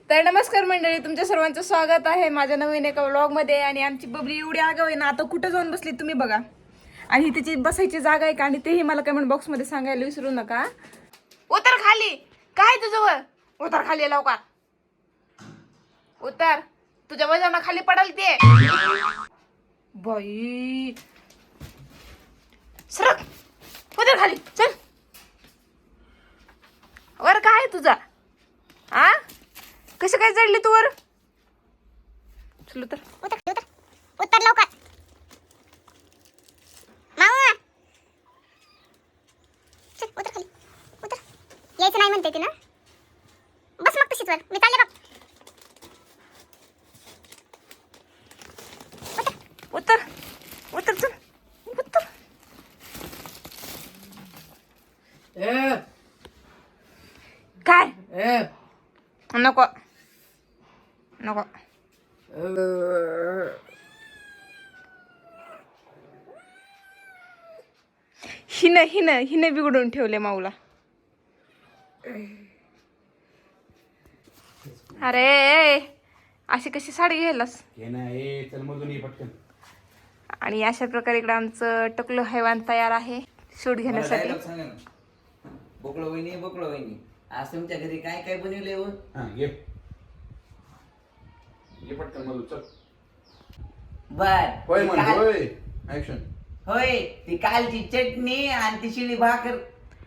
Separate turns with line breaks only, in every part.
तर नमस्कार मंडळी, तुमच्या सर्वांचं स्वागत आहे माझ्या नवीन एका व्लॉगमध्ये. आणि आमची बबली एवढी आगाव आहे ना, आता कुठं जाऊन बसली तुम्ही बघा. आणि त्याची बसायची जागा आहे का, आणि तेही मला कमेंट बॉक्समध्ये सांगायला विसरू नका. उतर खाली, काय तुझं? उतर खाली लवकर, उतर. तुझ्या वजन खाली पडल ते. बाई सरक, उतर खाली, चल. वर काय आहे तुझा? आ कशी काय चढली तू वर? चल उतर,
उतर उतर उतर लवकर. माऊ चल उतर खाली, उतर. यायचं नाही म्हणते ती ना. बस मग तशीच वर, मी चालले बघ.
उतर उतर, चल उतर. काय नको नको. हिने बिघडून ठेवले माऊला. अरे अशी कशी साडी घ्यायलास? आणि अशा प्रकारे इकडे आमचं टकलं हैवान तयार आहे शूट घेण्यासाठी.
बोकळो वहिनी आज तुमच्या घरी काय काय बनवले हो? होय, ती कालची चटणी आणि ती शिळी भाकर.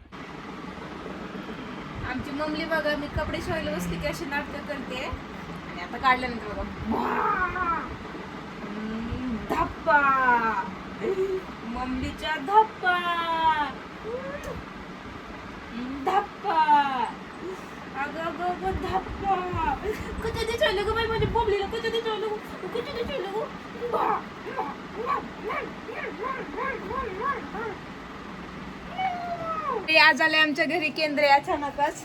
आमची मम्मी बघा, मी कपडे शिवायला बसली की अशी नाटकं करते. आणि आता काढल्यानंतर बघा धप्पा, मम्मीच्या धप्पा धप्पा. अगं अगं अगं धप्पा. कधी दिसायला ग बाई माझ्या बबलीला, कधी दिसायला ग, कधी दिसायला ग. आज आले आमच्या घरी केंद्रे अचानकच.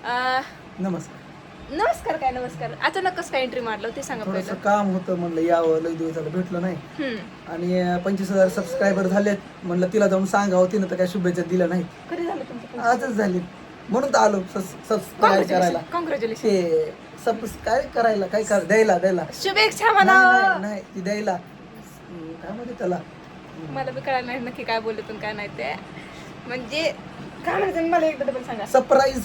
नमस्कार काय नमस्कार, अचानकच काय एंट्री मारलं ते सांगा
थोडंसं
पहिलं.
काम होतं, म्हणलं यावं, लई दिवस झालं भेटलं नाही. आणि 25,000 सबस्क्रायबर झालेत, म्हणलं तिला जाऊन सांगावं. तिनं तर काय शुभेच्छा दिल्या नाही,
कधी झालं तुमचं?
आजच झाली. म्हणून तर आलो सबस्क्राईब करायला.
कॉंग्रॅच्युलेशन.
ते सबस्क्राईब करायला काय द्यायला
शुभेच्छा म्हणा.
नाही ती द्यायला काय म्हणते त्याला.
मला बी कळालं नाही नक्की काय बोलले काय नाही ते. म्हणजे काय म्हणायचं मला एकदा डबल सांगा.
सरप्राईज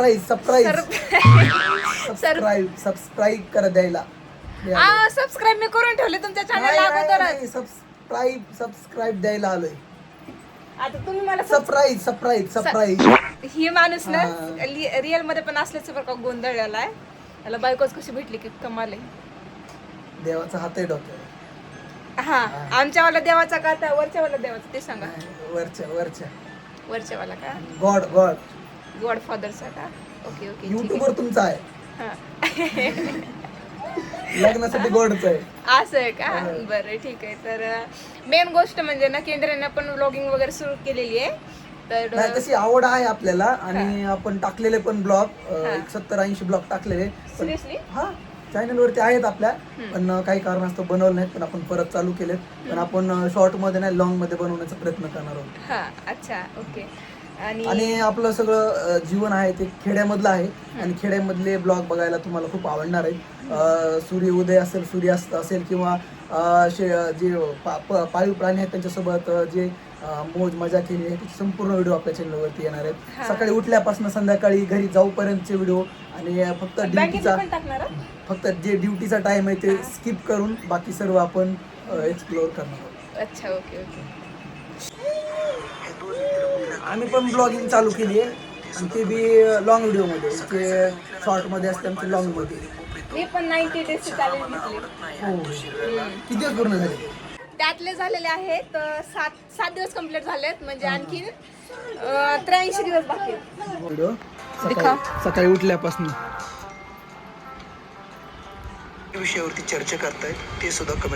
सबस्क्राईब करा द्यायला.
सबस्क्राईब मी करून ठेवले तुमच्या चॅनल अगोदरच.
सबस्क्राईब द्यायला आलोय.
आता तुम्ही मला
सरप्राईज
ही माणूस ना रिअल मध्ये पण असल्याचं बरं का गोंधळलेला आहे. त्याला बायकोच कशी भेटली की कमाल आहे.
देवाचा हात आहे डोक्यावर.
हा, आमच्यावाला देवाचा का त्या वरच्यावाला देवाचा ते सांगा. वरच्यावाला का गॉड फादरचा का? ओके ओके,
युट्यूब वर तुमचा आहे.
हा
लग्नासाठी गॉडच आहे.
असं आहे का? बरं ठीक आहे. तर मेन गोष्ट म्हणजे ना, केंद्राने पण व्लॉगिंग वगैरे सुरू केलेली आहे. तर
तशी आवड आहे आपल्याला. आणि आपण टाकलेले पण ब्लॉग 70-80 ब्लॉग टाकलेले.
सिरियसली
हा, चॅनल वरती आहेत आपल्या, पण काही कारणास्तव बनवलं नाहीत. पण आपण परत चालू केलेत. पण आपण शॉर्ट मध्ये नाही, लॉंग मध्ये बनवण्याचा प्रयत्न करणार आहोत.
हा अच्छा ओके.
आणि आपलं सगळं जीवन आहे ते खेड्यामधलं आहे. आणि खेड्यामधले ब्लॉग बघायला तुम्हाला खूप आवडणार आहे. सूर्योदय असेल, सूर्यास्त असेल, किंवा जे पाळीव प्राणी आहेत त्यांच्यासोबत जे मोज मजा केली आहे त्याची संपूर्ण व्हिडिओ आपल्या चॅनलवरती येणार आहेत. सकाळी उठल्यापासून संध्याकाळी घरी जाऊपर्यंतचे व्हिडिओ. आणि फक्त जे ड्युटीचा टाइम आहे ते स्किप करून बाकी सर्व आपण एक्सप्लोअर करणार आहोत.
अच्छा ओके ओके.
आम्ही पण ब्लॉगिंग चालू केली आहे. आणि ते बी लॉंग व्हिडिओ मध्ये, ते शॉर्ट मध्ये असते आमचे लॉंग मध्ये.
मी पण 90 डेज चॅलेंज घेतले.
हो, किती दिवस पूर्ण झाले?
त्यातले झालेले आहेत 7 दिवस कंप्लीट झालेत. म्हणजे आणखी 83 दिवस बाकी आहेत.
व्हिडिओ सकाळी उठल्यापासून विषयावरती चर्चा करतायत ते सुद्धा